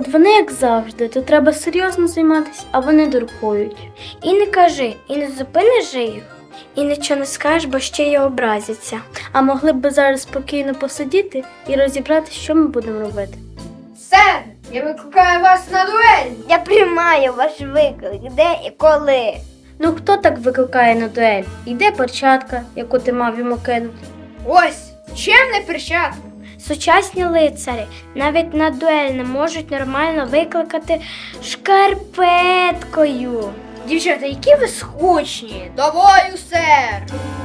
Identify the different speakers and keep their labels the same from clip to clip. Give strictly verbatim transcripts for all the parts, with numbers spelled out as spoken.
Speaker 1: От вони як завжди, то треба серйозно займатися, а вони дуркують.
Speaker 2: І не кажи, і не зупиниш же їх, і нічого не скажеш, бо ще й образяться.
Speaker 1: А могли б зараз спокійно посидіти і розібрати, що ми будемо робити.
Speaker 3: Сер, я викликаю вас на дуель!
Speaker 2: Я приймаю ваш виклик, де і коли.
Speaker 1: Ну хто так викликає на дуель? Йде перчатка, яку ти мав йому кинути.
Speaker 3: Ось, чим не перчатка?
Speaker 2: Сучасні лицарі навіть на дуель не можуть нормально викликати шкарпеткою.
Speaker 3: Дівчата, які ви скучні! До бою, сер!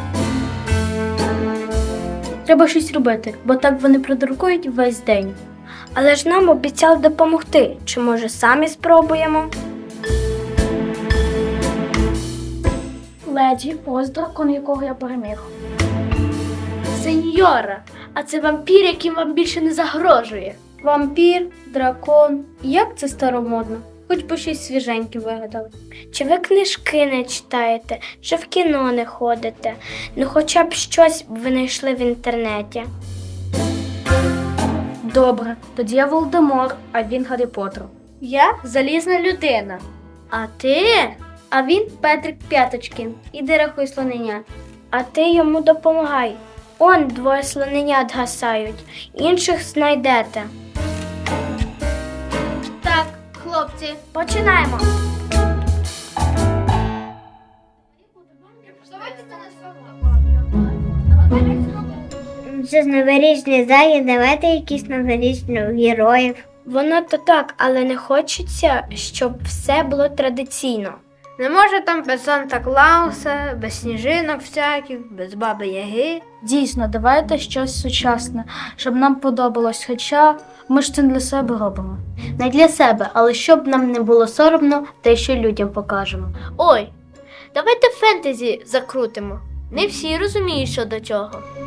Speaker 1: Треба щось робити, бо так вони продуркують весь день.
Speaker 2: Але ж нам обіцяли допомогти. Чи може самі спробуємо?
Speaker 1: Леді, ось дракон, якого я переміг. Сеньора, а це вампір, який вам більше не загрожує. Вампір, дракон. Як це старомодно? Хоч би щось свіженьке вигадали.
Speaker 2: Чи ви книжки не читаєте, чи в кіно не ходите? Ну хоча б щось ви знайшли в інтернеті.
Speaker 1: Добре, тоді я Волдемор, а він Гаррі Поттер. Я залізна людина. А ти? А він Петрик П'яточкін. Іди рахуй слоненят.
Speaker 2: А ти йому допомагай. Он двоє слоненят гасають, інших знайдете.
Speaker 1: Так, хлопці,
Speaker 2: Починаємо. Це ж новорічний захід, давайте якісь новорічні героїв. Воно то так, але не хочеться, щоб все було традиційно.
Speaker 3: Не може там без Санта-Клауса, без сніжинок всяких, без Баби Яги.
Speaker 1: дійсно, давайте щось сучасне, щоб нам подобалось, хоча ми ж це не для себе робимо. Не для себе, але щоб нам не було соромно, те, що людям покажемо. Ой, давайте фентезі закрутимо. Не всі розуміють, що до чого.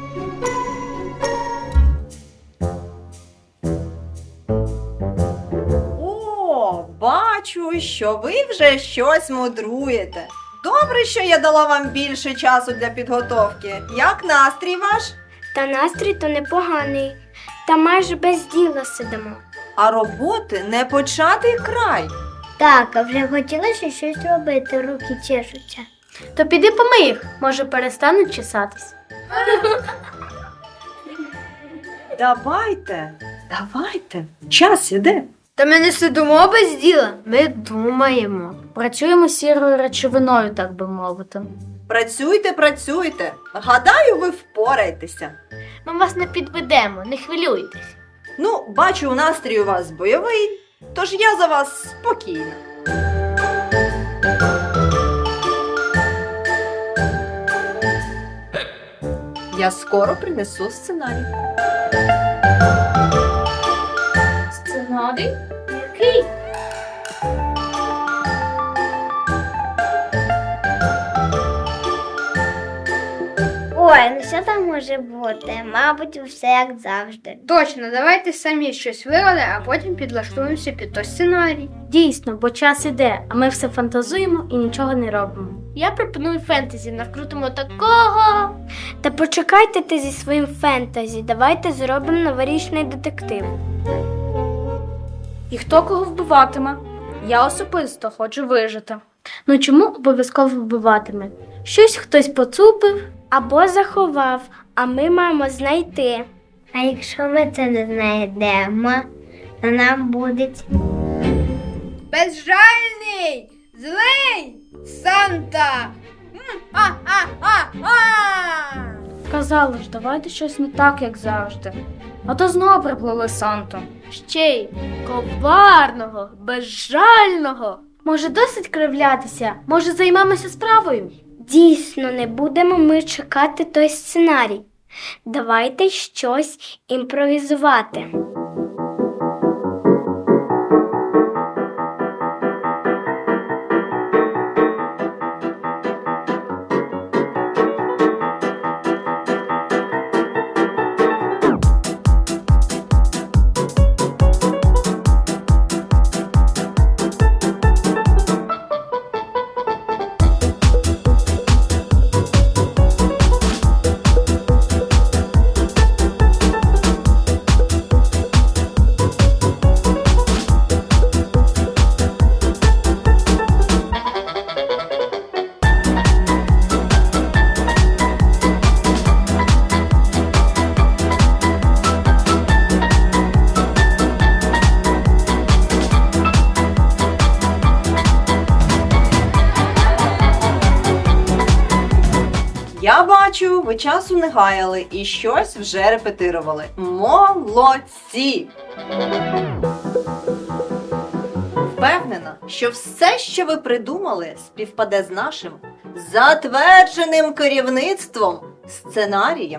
Speaker 4: О, бачу, що ви вже щось мудруєте. Добре, що я дала вам більше часу для підготовки. Як настрій ваш?
Speaker 2: Та настрій то непоганий, та майже без діла сидимо.
Speaker 4: А роботи не початий край.
Speaker 2: Так, а вже хотілося щось робити, руки чешуться.
Speaker 1: То піди помий їх, може перестануть чесатись.
Speaker 4: Давайте, давайте, час іде.
Speaker 3: Та ми не сидимо без діла, ми думаємо.
Speaker 1: Працюємо сірою речовиною, так би мовити.
Speaker 4: Працюйте, працюйте. Гадаю, ви впораєтеся.
Speaker 1: Ми вас не підведемо, не хвилюйтесь.
Speaker 4: Ну, бачу, настрій у вас бойовий, тож я за вас спокійна. Я скоро принесу сценарій.
Speaker 1: Сценарій? Який?
Speaker 2: Ой, ну що там може бути? Мабуть, все як завжди.
Speaker 3: Точно, давайте самі щось вигадали, а потім підлаштуємося під той сценарій.
Speaker 1: Дійсно, бо час іде, а ми все фантазуємо і нічого не робимо. Я пропоную фентезі, накрутимо такого.
Speaker 2: Та почекайте ти зі своїм фентезі, давайте зробимо новорічний детектив.
Speaker 1: І хто кого вбиватиме? Я особисто хочу вижити. Ну чому обов'язково вбиватиме? Щось хтось поцупив.
Speaker 2: Або заховав, а ми маємо знайти. А якщо ми це не знайдемо, то нам буде...
Speaker 3: Безжальний! Злий! Санта! М-а-а-а-а!
Speaker 1: Казали ж, давайте щось не так, як завжди. А то знову приплили Санту. Ще й коварного, безжального. Може, досить кривлятися? Може, займемося справою?
Speaker 2: Дійсно, не будемо ми чекати той сценарій. Давайте щось імпровізувати.
Speaker 4: Я бачу, ви часу не гаяли і щось вже репетирували. Молодці! Впевнена, що все, що ви придумали, співпаде з нашим затвердженим керівництвом сценарієм.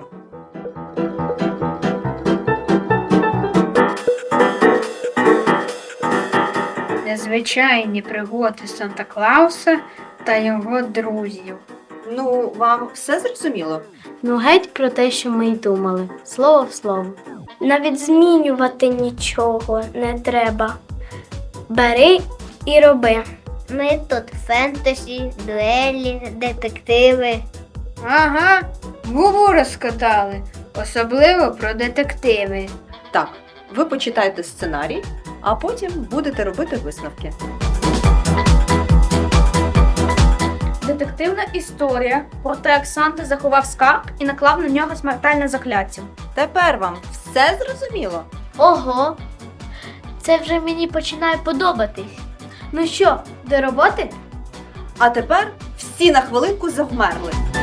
Speaker 3: Незвичайні пригоди Санта-Клауса та його друзів.
Speaker 4: Ну, вам все зрозуміло?
Speaker 1: Ну, геть про те, що ми й думали. Слово в слово.
Speaker 2: Навіть змінювати нічого не треба. Бери і роби. Ми тут фентезі, дуелі, детективи.
Speaker 3: Ага, губу розкатали, особливо про детективи.
Speaker 4: Так, ви почитайте сценарій, а потім будете робити висновки.
Speaker 1: Детективна історія про те, як Санта заховав скарб і наклав на нього смертельне закляття.
Speaker 4: Тепер вам все зрозуміло?
Speaker 1: Ого! Це вже мені починає подобатись. Ну що, до роботи?
Speaker 4: А тепер всі на хвилинку завмерли.